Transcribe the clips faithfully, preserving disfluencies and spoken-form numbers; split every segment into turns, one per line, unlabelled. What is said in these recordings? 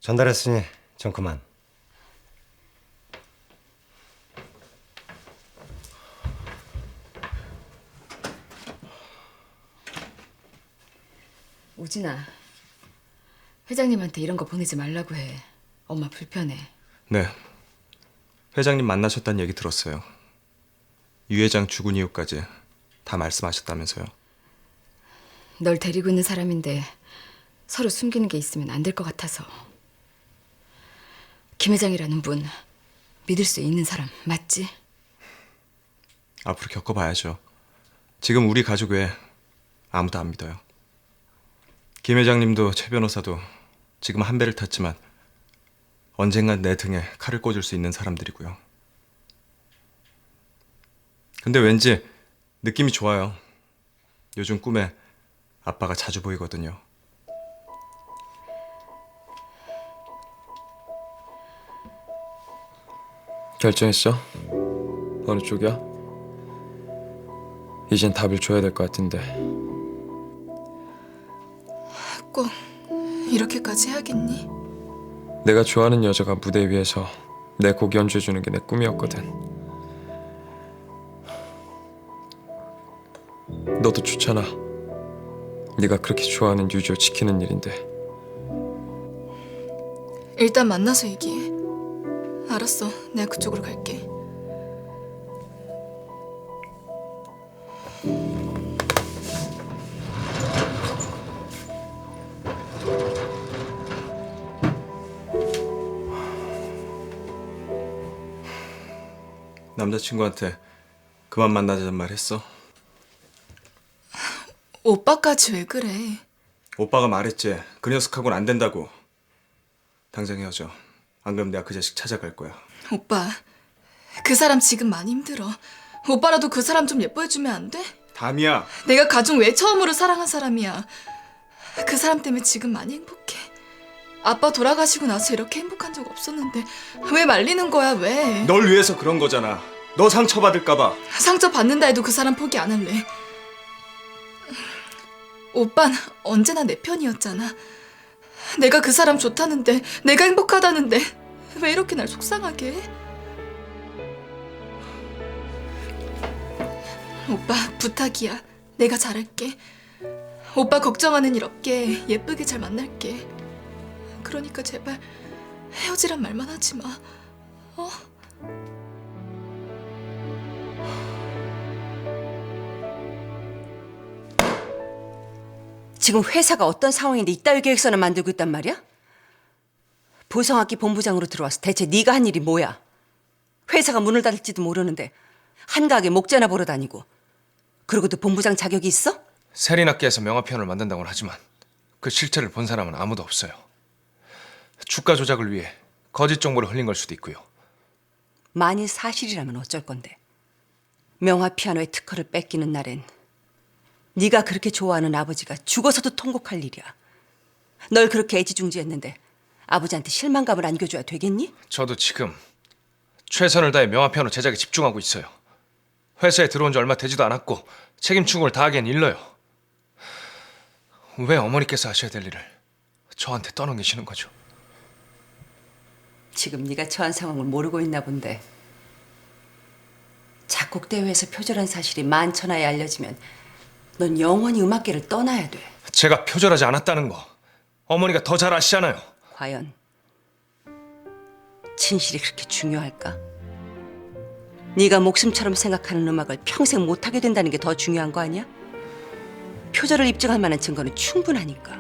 전달했으니 전 그만.
우진아, 회장님한테 이런 거 보내지 말라고 해. 엄마 불편해.
네. 회장님 만나셨다는 얘기 들었어요. 유 회장 죽은 이유까지 다 말씀하셨다면서요.
널 데리고 있는 사람인데 서로 숨기는 게 있으면 안 될 것 같아서. 김 회장이라는 분 믿을 수 있는 사람 맞지?
앞으로 겪어봐야죠. 지금 우리 가족 외에 아무도 안 믿어요. 김 회장님도 최 변호사도 지금 한 배를 탔지만 언젠간 내 등에 칼을 꽂을 수 있는 사람들이고요. 근데 왠지 느낌이 좋아요. 요즘 꿈에 아빠가 자주 보이거든요.
결정했어? 어느 쪽이야? 이젠 답을 줘야 될 것 같은데.
꼭 이렇게까지 해야겠니?
내가 좋아하는 여자가 무대 위에서 내 곡 연주해주는 게 내 꿈이었거든. 너도 좋잖아. 네가 그렇게 좋아하는 유저 지키는 일인데.
일단 만나서 얘기해. 알았어, 내가 그쪽으로 갈게.
남자친구한테 그만 만나자는 말 했어?
오빠까지 왜 그래?
오빠가 말했지. 그 녀석하고는 안 된다고. 당장 헤어져. 안 그럼 내가 그 자식 찾아갈 거야.
오빠, 그 사람 지금 많이 힘들어. 오빠라도 그 사람 좀 예뻐해주면 안 돼?
담이야.
내가 가중 외 처음으로 사랑한 사람이야. 그 사람 때문에 지금 많이 행복해. 아빠 돌아가시고 나서 이렇게 행복한 적 없었는데 왜 말리는 거야, 왜?
널 위해서 그런 거잖아. 너 상처받을까 봐.
상처 받는다 해도 그 사람 포기 안 할래. 오빤 언제나 내 편이었잖아. 내가 그 사람 좋다는데, 내가 행복하다는데 왜 이렇게 날 속상하게 해? 오빠, 부탁이야. 내가 잘할게. 오빠 걱정하는 일 없게 예쁘게 잘 만날게. 그러니까 제발 헤어지란 말만 하지 마. 어?
지금 회사가 어떤 상황인데 이따위 계획서를 만들고 있단 말이야? 보성학기 본부장으로 들어와서 대체 네가 한 일이 뭐야? 회사가 문을 닫을지도 모르는데 한가하게 목재나 보러 다니고. 그러고도 본부장 자격이 있어?
세린학계에서 명화편을 만든다고는 하지만 그 실체를 본 사람은 아무도 없어요. 주가 조작을 위해 거짓 정보를 흘린 걸 수도 있고요.
만일 사실이라면 어쩔 건데. 명화 피아노의 특허를 뺏기는 날엔 네가 그렇게 좋아하는 아버지가 죽어서도 통곡할 일이야. 널 그렇게 애지중지했는데 아버지한테 실망감을 안겨줘야 되겠니?
저도 지금 최선을 다해 명화 피아노 제작에 집중하고 있어요. 회사에 들어온 지 얼마 되지도 않았고 책임 충고를 다하기엔 일러요. 왜 어머니께서 하셔야 될 일을 저한테 떠넘기시는 거죠?
지금 네가 처한 상황을 모르고 있나 본데. 작곡 대회에서 표절한 사실이 만천하에 알려지면 넌 영원히 음악계를 떠나야 돼.
제가 표절하지 않았다는 거 어머니가 더 잘 아시잖아요.
과연 진실이 그렇게 중요할까? 네가 목숨처럼 생각하는 음악을 평생 못하게 된다는 게 더 중요한 거 아니야? 표절을 입증할 만한 증거는 충분하니까.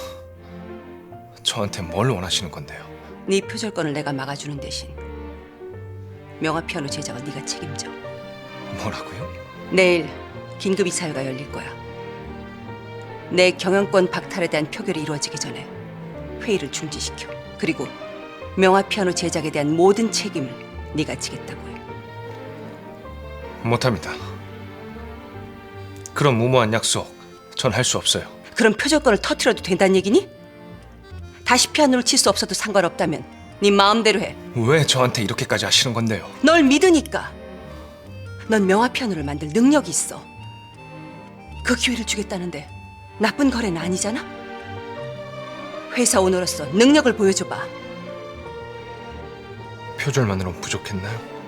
저한테 뭘 원하시는 건데요?
네 표절권을 내가 막아주는 대신 명화 피아노 제작은 네가 책임져.
뭐라고요?
내일 긴급 이사회가 열릴 거야. 내 경영권 박탈에 대한 표결이 이루어지기 전에 회의를 중지시켜. 그리고 명화 피아노 제작에 대한 모든 책임을 네가 지겠다고 해.
못합니다. 그런 무모한 약속 전 할 수 없어요.
그럼 표절권을 터트려도 된다는 얘기니? 다시 피아노를 칠 수 없어도 상관없다면 네 마음대로 해.
왜 저한테 이렇게까지 하시는 건데요?
널 믿으니까. 넌 명화 피아노를 만들 능력이 있어. 그 기회를 주겠다는데 나쁜 거래는 아니잖아? 회사 오너로서 능력을 보여줘봐.
표절만으로는 부족했나요?